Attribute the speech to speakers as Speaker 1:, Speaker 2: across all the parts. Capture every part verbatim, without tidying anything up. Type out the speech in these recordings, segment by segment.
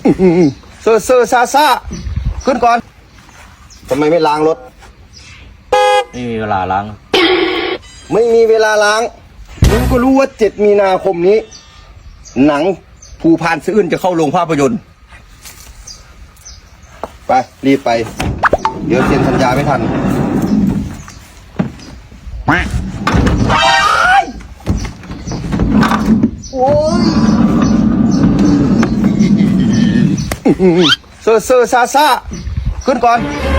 Speaker 1: เซอร์เซอร์ซาซาขึ้นก่อนทำไมไม่ล้างรถ
Speaker 2: ไม่มีเวลาล้าง
Speaker 1: ไม่มีเวลาล้างมึงก็รู้ว่าเจ็ดมีนาคมนี้หนังภูพานสะอื้นจะเข้าโรงภาพยนตร์ไปรีบไปเดี๋ยวเซ็นสัญญาไม่ทันโอ้ยเซอร์เซอร์ซาซาขึ้นก่อน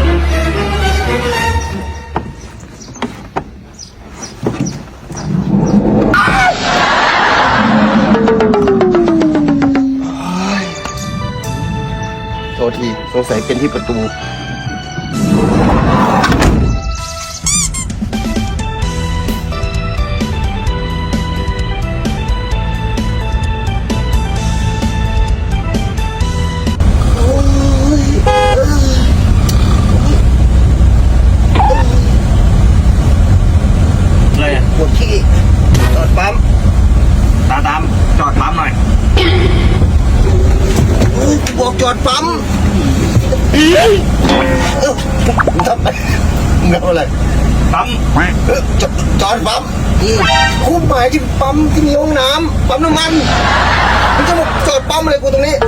Speaker 1: โทษทีสงสัยเป็นที่ประตูปวดขี้จอดปั๊ม
Speaker 2: ตามตามจอดปั๊มหน่อย
Speaker 1: บอกจอดปั๊มเออทำไมเงาอะไร
Speaker 2: ปั๊ม
Speaker 1: จอดจอดปั๊มคู่หมายที่ปั๊มที่มีห้องน้ำปั๊มน้ำมันมันจะมาจอดปั๊มอะไรกูตรงนี้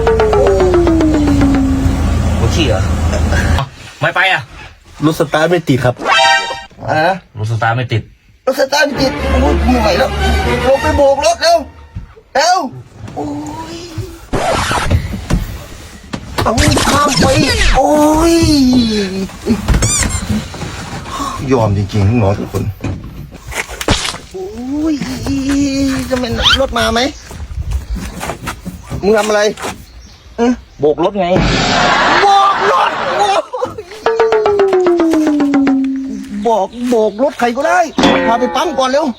Speaker 2: ปวดขี้เหรอไม่ไปอ่ะ
Speaker 1: รถสตาร์ทไม่ติดครับอ่ะ
Speaker 2: รถสตาร์ทไม่ติด
Speaker 1: รถสตาร์ทไม่ติดโอ้ยไม่ไหวแล้วลงไปโบกรถเร็วเร็วโอ้ยเอาข้ามไปโอ้ยยอมจริงๆน้องทุกคนโอ้ยจะเป็นรถมาไหมมึงทำอะไร
Speaker 2: โบกรถไง
Speaker 1: โบกรถบอกโบกรถใครก็ได้พาไปปั๊มก่อนเร็ว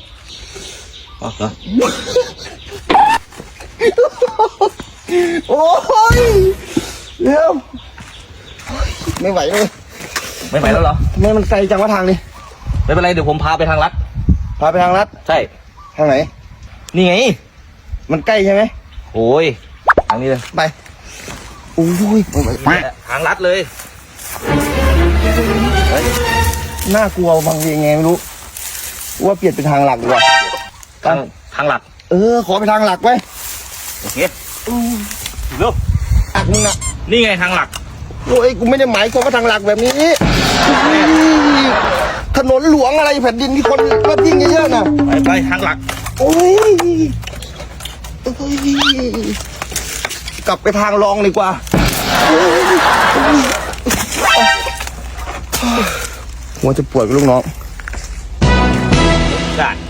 Speaker 1: โอ้ยเร็วไม่ไหวเลย
Speaker 2: ไม่ไหวแล้วเหรอ
Speaker 1: ทำไมมันไกลจังวะทางนี้
Speaker 2: ไม่เป็นไรเดี๋ยวผมพาไปทางลัด
Speaker 1: พาไปทางลัด
Speaker 2: ใช่
Speaker 1: ทางไหน
Speaker 2: นี่ไง
Speaker 1: มันใกล้ใช่ไหม
Speaker 2: โอ้ยทางนี้เลย
Speaker 1: ไปโอ้ย
Speaker 2: ทางลัดเลย
Speaker 1: น่ากลัวบางทีไงไม่รู้ว่าเปลี่ยนเป็นทางหลักดีกว่า
Speaker 2: ทางทางหลัก
Speaker 1: เออขอไปทางหลักไป
Speaker 2: โอเคเร็ว
Speaker 1: อักมึงอ่ะ
Speaker 2: นี่ไงทางหลัก
Speaker 1: โอ้ยกูไม่ได้หมายความว่าทางหลักแบบนี้ถนนหลวงอะไรแผ่นดินที่คนก็ยิ่งเยอะๆนะ
Speaker 2: ไปไปทางหลัก
Speaker 1: โอ้ยกลับไปทางรองดีกว่าหัวจะปวดกับลูกน้อง
Speaker 2: ได้